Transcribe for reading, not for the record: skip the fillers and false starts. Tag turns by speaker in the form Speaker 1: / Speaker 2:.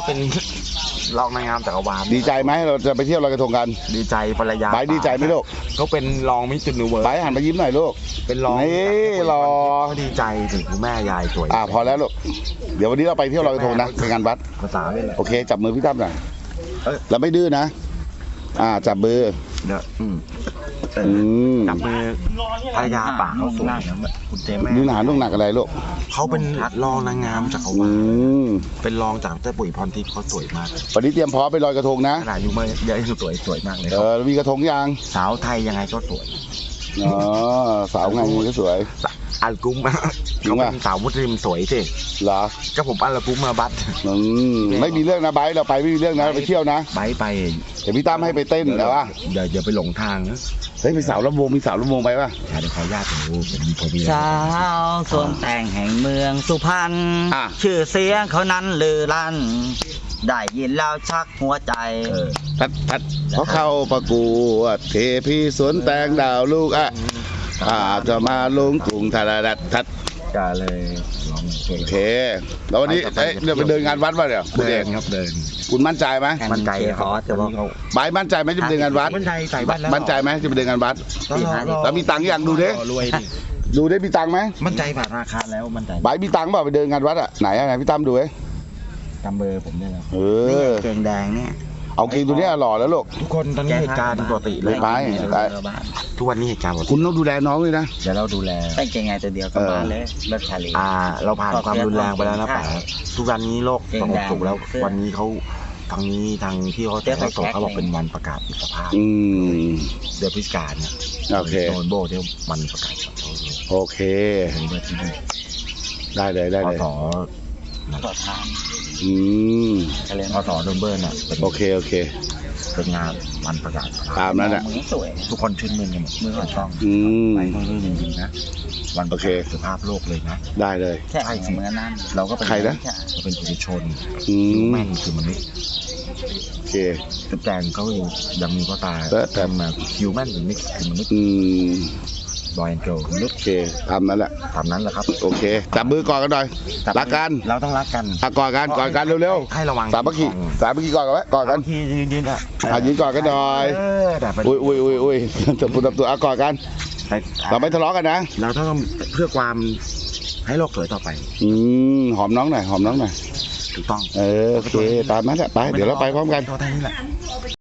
Speaker 1: เป็นรองนางงามจักรวาล
Speaker 2: ดีใจไหมเราจะไปเที่ยวลอยกระทงกัน
Speaker 1: ดีใจภรรยา
Speaker 2: ไบร์ทดีใจไหมลูก
Speaker 1: เขาเป็นรองมิสยูนิเวิร์ส
Speaker 2: ไบร์ทหันมายิ้มหน่อยลูก
Speaker 1: เป็นรอง
Speaker 2: นี่รอ
Speaker 1: เขาดีใจถึงคุณแม่ยายสวย
Speaker 2: พอแล้วลูกเดี๋ยววันนี้เราไปเที่ยวลอยกระทงนะเป็นงานวัด
Speaker 1: ภาษาไม่เลย
Speaker 2: โอเคจับมือพี่ตั้มหน่อย
Speaker 1: เอ้ย
Speaker 2: เราไม่ดื้อนะจับมือ
Speaker 1: เดี๋ยวจับมือภรรยาป่าเขาสวยนะคุณเจแม่
Speaker 2: ดูหนาลูกหนักอะไรลูก
Speaker 1: เขาเป็นรองนางงามจักรวาล เป็นรองจากเจ้าปุ๋ยพรทิพย์เขาสวยมาก
Speaker 2: วันนี้เตรียมพร้อมไปลอยกระทงนะ
Speaker 1: ขนาดอยู่เมื่อเยอะยังสวยมากเลยครับ
Speaker 2: มีกระทงยัง
Speaker 1: สาวไทยยังไงก็สวย
Speaker 2: สาวไงก็สวย
Speaker 1: อัลกุ้ม
Speaker 2: จริง
Speaker 1: เขา
Speaker 2: ป่ะ
Speaker 1: เป็นสาวมุสลิมสวยสิ
Speaker 2: เหรอ
Speaker 1: ก็ผมอัลกุ้มมาบัต
Speaker 2: ไม่มีเรื่องนะไบร์ทเราไปไม่มีเรื่องนะไปเที่ยวนะ
Speaker 1: ไป
Speaker 2: เดี๋ยวพี่ตั้มให้ไปเต้นแต่ว่า
Speaker 1: เดี๋ยวไปหลงทางนะ
Speaker 2: เฮ้ยมีสาวลำวงไปป่ะ
Speaker 1: เดี๋ยวขออนุญาตผมมี
Speaker 3: สาวสวมแต่งแห่งเมืองสุพรรณชื่อเสียงเขานั้นลือลั่น ได้ยินแล้วชักหัวใจ
Speaker 2: พัดเพราะเข้าประกวดเทพีสวนแตงดาวลูกจะมาลงกรุงทาราทัด
Speaker 1: ก็เลยลอง
Speaker 2: โอเคแล้ววันนี้เดี๋ยวไปเดินงานวัดป่ะเดี๋ยวคุณ
Speaker 1: เดิ
Speaker 2: เอน ก
Speaker 1: ครับเดิน
Speaker 2: คุณมั่นใจไหม
Speaker 1: มั่นใจค
Speaker 3: ข
Speaker 1: รับ
Speaker 3: อแต่ว่า
Speaker 2: ไบร์ทมั่นใจไหมจะไปเดินงานวัด
Speaker 1: มั่นใจใส่บ้านแล้ว
Speaker 2: มั่นใจไหมจะไปเดินงานวัด แล้วมีตังค์ยังดูดิ
Speaker 1: รวยดิ
Speaker 2: ดูได้มีตังค์ไหม
Speaker 1: มั่นใจผ่านราคาแล้วมั่นใจ
Speaker 2: ไบร์ทมีตังค์เปล่าไปเดินงานวัดไหนพี่ตั้มดูเว้ย
Speaker 1: จำเบอร์ผมได้แล้ว
Speaker 3: นี่เกงแดงเนี่ย
Speaker 2: เอากินตัวนี้หล่อแล้วลูก
Speaker 1: ทุกคนตอนนี้เหตุการณ์ปกติเลย
Speaker 2: ไป
Speaker 1: ทุกวันนี้เหตุการณ์ปกติ
Speaker 2: คุณต้องดูแลน้องเลยนะ
Speaker 1: เดี๋ยวเราดูแล
Speaker 3: ใส่เกงไงตัวเดียวกลับบ้านเลยรถชาลี
Speaker 1: เราผ่านความรุนแรงไปแล้วนะป๋าทุกวันนี้โลกสงบสุขแล้ววันนี้เขาทางที่เขาจะส่งเขาบอกเป็นวันประกาศอิสรภาพเดือนพฤศจิกายนเนี่ย
Speaker 2: โอเค
Speaker 1: โดนโบที่วันประกาศอิสรภาพ
Speaker 2: โอเค
Speaker 1: เป็นเมื่อที่นี่
Speaker 2: ได้เลย
Speaker 1: พศ
Speaker 3: ต่อทาง
Speaker 2: อืม
Speaker 1: พศโดนเบิร์นอ่ะเป็น
Speaker 2: โอเค
Speaker 1: เป็นงานวันประกาศ
Speaker 2: ตามนั้นแหละ
Speaker 3: มือสวย
Speaker 1: ทุกคนชื่นมื่นกันหมดมือของช่อง
Speaker 2: อืม
Speaker 1: ไปเรื่องจริงๆนะวันประกาศอิสรภาพโลกเลยนะ
Speaker 2: ได้เลย
Speaker 3: ใช่เหมือนนั่น
Speaker 1: เราก็เป็น
Speaker 2: ใครนะ
Speaker 1: เราเป็นผู้ชน
Speaker 2: ม
Speaker 1: แม่นคือมนุษย์
Speaker 2: โอเค
Speaker 1: จุดแดงเขายังมีก็ตาย
Speaker 2: แต่
Speaker 1: มาฮิวแมนหรือมิกซ์คือมนุษย์ บอยแอนด์เกิร์ลมนุษย์
Speaker 2: โอเคตามนั้นแหละ
Speaker 1: ตามนั้นแหละครับ
Speaker 2: โอเคจับมือก่อนกันหน่อยรักกัน
Speaker 1: เราต้องรักกัน
Speaker 2: ก่อนกันเร็ว
Speaker 1: ให้ระวัง
Speaker 2: ๆสามัคคีก่อนกันไว้ก่อนกัน
Speaker 1: ที่ยืนอ่ะ
Speaker 2: ยืนก่อนกันหน่อย
Speaker 1: แต่เป็น
Speaker 2: อุ้ยจับตัวก่อนกันเราไม่ทะเลาะกันนะ
Speaker 1: เราต้องเพื่อความให้โลกสวยต่อไป
Speaker 2: หอมน้องหน่อย
Speaker 1: ถูกต้อง
Speaker 2: โอเคตามนั้นแหละไปเดี๋ยวเราไปพร้อมกัน
Speaker 1: เท่านี้แหละ